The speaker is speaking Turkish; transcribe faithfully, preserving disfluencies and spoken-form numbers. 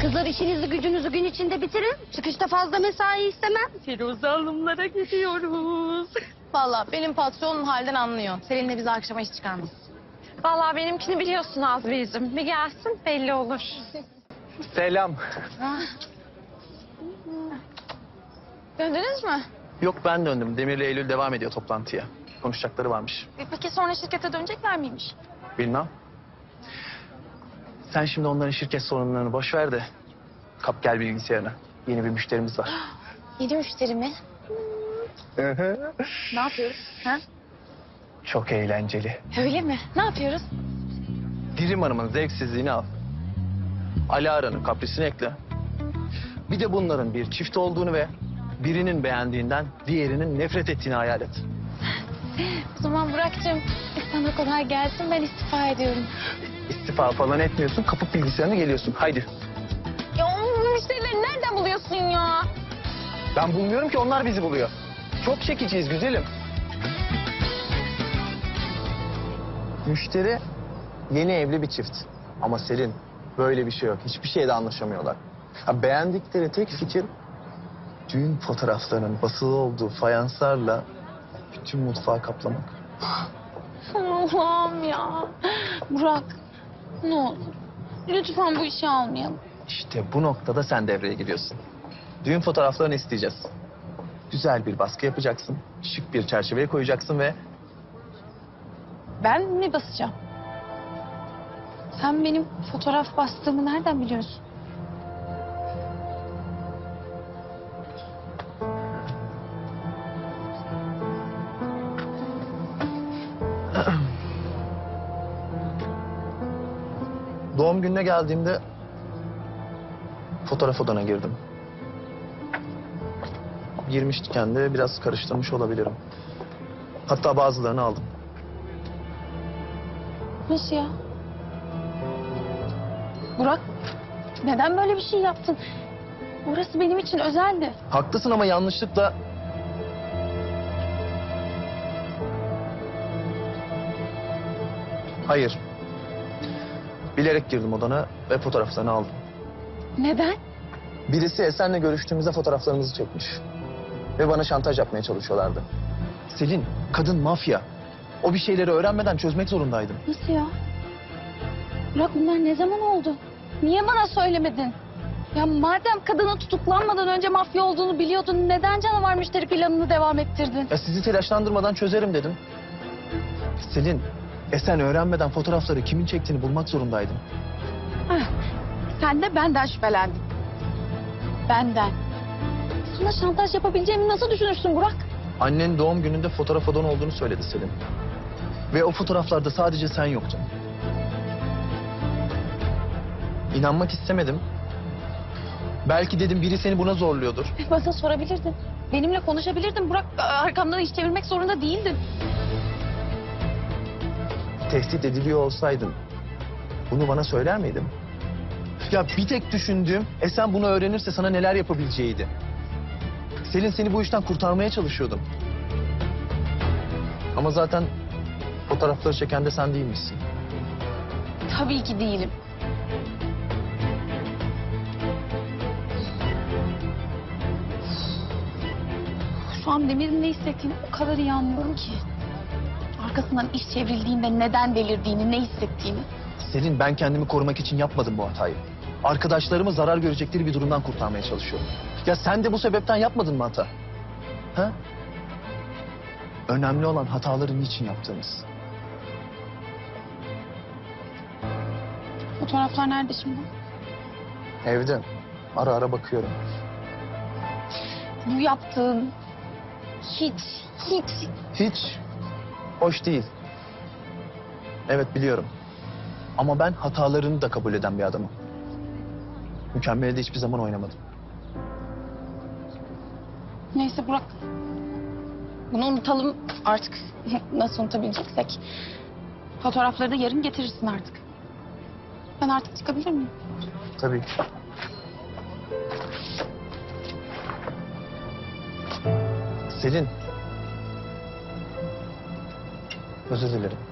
Kızlar işinizi gücünüzü gün içinde bitirin. Çıkışta fazla mesai istemem. Firuze Hanımlara gidiyoruz. Vallahi benim patronum halden anlıyor. Seninle bizi akşama iş çıkarmaz. Vallahi benimkini biliyorsun Azmi'cim. Bir gelsin belli olur. Selam. Döndünüz mü? Yok ben döndüm. Demir'le Eylül devam ediyor toplantıya. Konuşacakları varmış. E, Peki sonra şirkete dönecekler miymiş? Bilmem. Sen şimdi onların şirket sorunlarını boş ver de kap gel bilgisayarına. Yeni bir müşterimiz var. Yeni müşteri mi? Ne yapıyoruz? Ha? Çok eğlenceli. Öyle mi? Ne yapıyoruz? Dirim Hanım'ın zevksizliğini al. Alara'nın kaprisini ekle. Bir de bunların bir çift olduğunu ve birinin beğendiğinden diğerinin nefret ettiğini hayal et. O zaman Burak'cığım sana kolay gelsin, ben istifa ediyorum. İstifa falan etmiyorsun, kapıp bilgisayarına geliyorsun. Haydi. Ya o müşterileri nereden buluyorsun ya? Ben bulmuyorum ki, onlar bizi buluyor. Çok çekiciyiz güzelim. Müşteri yeni evli bir çift. Ama Selin böyle bir şey yok. Hiçbir şeyde anlaşamıyorlar. Ha, beğendikleri tek fikir düğün fotoğraflarının basılı olduğu fayanslarla bütün mutfağı kaplamak. Allah'ım ya. Burak, ne olur. Lütfen bu işi almayalım. İşte bu noktada sen devreye giriyorsun. Düğün fotoğraflarını isteyeceğiz. Güzel bir baskı yapacaksın. Şık bir çerçeveye koyacaksın ve Ben mi basacağım? Sen benim fotoğraf bastığımı nereden biliyorsun? doğum gününe geldiğimde fotoğraf odana girdim. Girmişken de biraz karıştırmış olabilirim. Hatta bazılarını aldım. Nasıl ya? Burak, neden böyle bir şey yaptın? Orası benim için özeldi. Haklısın ama yanlışlıkla... Hayır. Bilerek girdim odana ve fotoğraflarını aldım. Neden? Birisi Esen'le görüştüğümüzde fotoğraflarımızı çekmiş. Ve bana şantaj yapmaya çalışıyorlardı. Selin, kadın mafya. O bir şeyleri öğrenmeden çözmek zorundaydım. Nasıl ya? Burak, bunlar ne zaman oldu? Niye bana söylemedin? Ya madem kadının tutuklanmadan önce mafya olduğunu biliyordun, neden canavar müşteri planını devam ettirdin? Ya sizi telaşlandırmadan çözerim dedim. Selin, Esen öğrenmeden fotoğrafları kimin çektiğini bulmak zorundaydım. Heh, sen de benden şüphelendin. Benden. Sana şantaj yapabileceğimi nasıl düşünürsün Burak? Annen doğum gününde fotoğraf odan olduğunu söyledi Selin. Ve o fotoğraflarda sadece sen yoktun. İnanmak istemedim. Belki dedim biri seni buna zorluyordur. Bana sorabilirdin. Benimle konuşabilirdin Burak. Arkamdan iş çevirmek zorunda değildin. Tehdit ediliyor olsaydın bunu bana söyler miydin? Ya bir tek düşündüğüm Esen bunu öğrenirse sana neler yapabileceğiydi. Selin, seni bu işten kurtarmaya çalışıyordum. Ama zaten fotoğrafları çeken de sen değilmişsin. Tabii ki değilim. Şu an Demir'in ne hissettiğini o kadar iyi anlıyorum ki. Arkasından iş çevrildiğinde neden delirdiğini, ne hissettiğini. Selin, ben kendimi korumak için yapmadım bu hatayı. Arkadaşlarımı zarar görecekleri bir durumdan kurtarmaya çalışıyorum. Ya sen de bu sebepten yapmadın mı hata? Ha? Önemli olan hataları niçin yaptığımız. Fotoğraflar nerede şimdi? Evde. Ara ara bakıyorum. Bu yaptığın hiç, hiç... Hiç hoş değil. Evet, biliyorum. Ama ben hatalarını da kabul eden bir adamım. Mükemmeli de hiçbir zaman oynamadım. Neyse Burak. Bunu unutalım artık. Nasıl unutabileceksek. Fotoğrafları da yarın getirirsin artık. Ben artık çıkabilir miyim? Tabii ki. Selin. Özür dilerim.